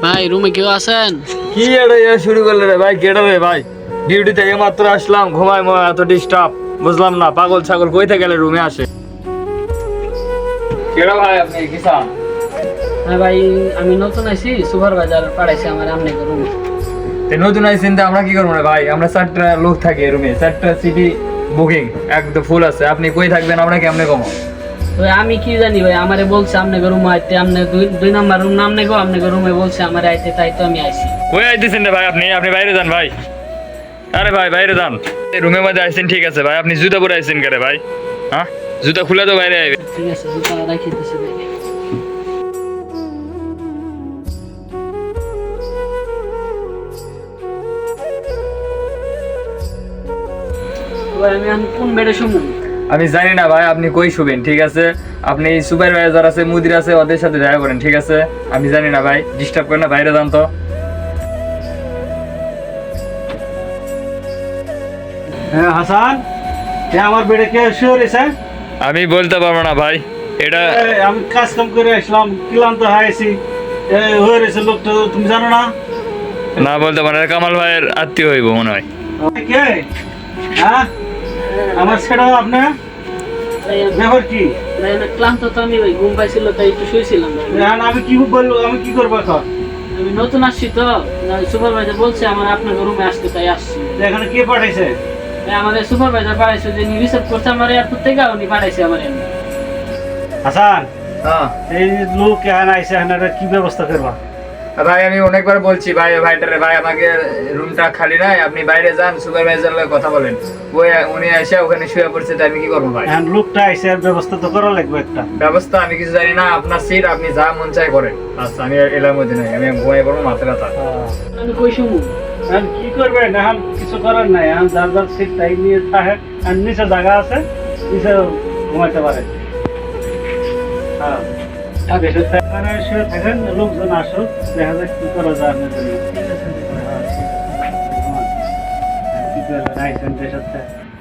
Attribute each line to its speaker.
Speaker 1: ভাই রুমে কেউ আছেন?
Speaker 2: কি এটা শুরু করলে রে ভাই? কেটে রে ভাই, ডিউটি থেকে মাত্র আসলাম, ঘুমাই এত ডিস্টার্ব বুঝলাম না। পাগল ছাগল কই থেকে গেলে রুমে আসে? কেডা ভাই আপনি কিসান?
Speaker 1: হ্যাঁ ভাই, আমি নতুন আইছি, সুপারভাইজার পাঠাইছে আমার আপনাকে রুমে।
Speaker 2: নতুন আইসেন আমরা কি করবো রে ভাই? আমরা 4টা লোক থাকি রুমে, 4টা সিটি বুকিং একদম ফুল আছে। আপনি কই থাকবেন আমরা কেমনে কমো?
Speaker 1: তো আমি কি জানি ভাই, আমারে বলছে আপনাকে রুমে আইতে, আপনি দুই নাম্বার রুম নাম নেগো, আপনাকে রুমে বলছে আমার আইতে, তাই তো আমি আইছি।
Speaker 2: কই আইতেছেন রে ভাই? আপনি আপনি বাইরে যান ভাই। আরে ভাই বাইরে যান। রুমের মধ্যে আইছেন ঠিক আছে ভাই, আপনি জুতা পরে আইছেন কে ভাই? হ্যাঁ, জুতা খুলে তো বাইরে আইবে।
Speaker 1: ঠিক আছে, জুতা রাখিতেছি ভাই। ভাই আমি এখন কোন বেডে শুমু?
Speaker 2: আমি জানি না ভাই, আপনি কই শুবেন ঠিক আছে? আপনি সুপারভাইজার আছে, মুদির আছে, ওদের সাথে দেখা করেন ঠিক আছে? আমি জানি না ভাই, ডিস্টার্ব করেন না, বাইরে যান তো।
Speaker 3: হ্যাঁ হাসান, আমার বেডে কে শুয়ে রয়েছে?
Speaker 2: আমি বলতে পারবো না ভাই, এটা
Speaker 3: আমি কাজ কাম করে আসলাম, ক্লান্ত হয়েছি, হয়ে রয়েছে লোকটা, তুমি জানো না?
Speaker 2: না বলতে পারবো না, কামাল ভাইয়ের আত্মীয় হইব মনে হয়।
Speaker 3: কে? হ্যাঁ, আমার ছেড়ে আপনি
Speaker 1: ভাই
Speaker 3: ব্যাপার কি?
Speaker 1: আমি ক্লান্ত তো, আমি ভাই ঘুম পাইছিল তাই একটু শুয়েছিলাম ভাই।
Speaker 3: এখন আমি কি বলবো, আমি কি করবো এখন?
Speaker 1: আমি নতুন আসছি তো, সুপারভাইজার বলছে আমার আপনার রুমে আসতে, তাই আসছি।
Speaker 3: এখানে কে পাঠাইছে?
Speaker 1: আমাদের সুপারভাইজার পাঠাইছে, যে রিসার্চ করছে আমার এয়ারপোর্ট থেকে, উনি পাঠাইছে আমার এমনি।
Speaker 3: হাসান,
Speaker 2: হ্যাঁ
Speaker 3: এই লোক এখানে আইসে, এখানে একটা কি ব্যবস্থা করবা?
Speaker 2: ভাই, আমি অনেকবার বলছি ভাই, ভাইটারে ভাই আমাকে রুমটা খালি নাই, আপনি বাইরে যান, সুপারভাইজার লগে কথা বলেন। উনি এসে ওখানে শুয়ে পড়ছে, তাই আমি কি করবো ভাই?
Speaker 3: এখন লোকটা আইসে, ব্যবস্থা তো করা লাগবে একটা।
Speaker 2: ব্যবস্থা আমি কিছু জানি না, আপনার সিট, আপনি যা মন চাই করেন। আচ্ছা আমি এলার মধ্যে নাই, আমি ঘুমাই পড়বো, মাথা ব্যথা।
Speaker 1: আমি কই শুমু?
Speaker 3: এখন কি করবেন? এখন কিছু করার নাই, এখন যার যার সিট তাই নিয়ে থাকে, আর নিচে জায়গা আছে, নিচে ঘুমাইতে পারে। হ্যাঁ, এখানে শুয়ে থাকেন, লোকজন আসুক, দেখা যাক কি করা যায় আপনার জন্য। কি করবেন আইসেন দেশের থেকে?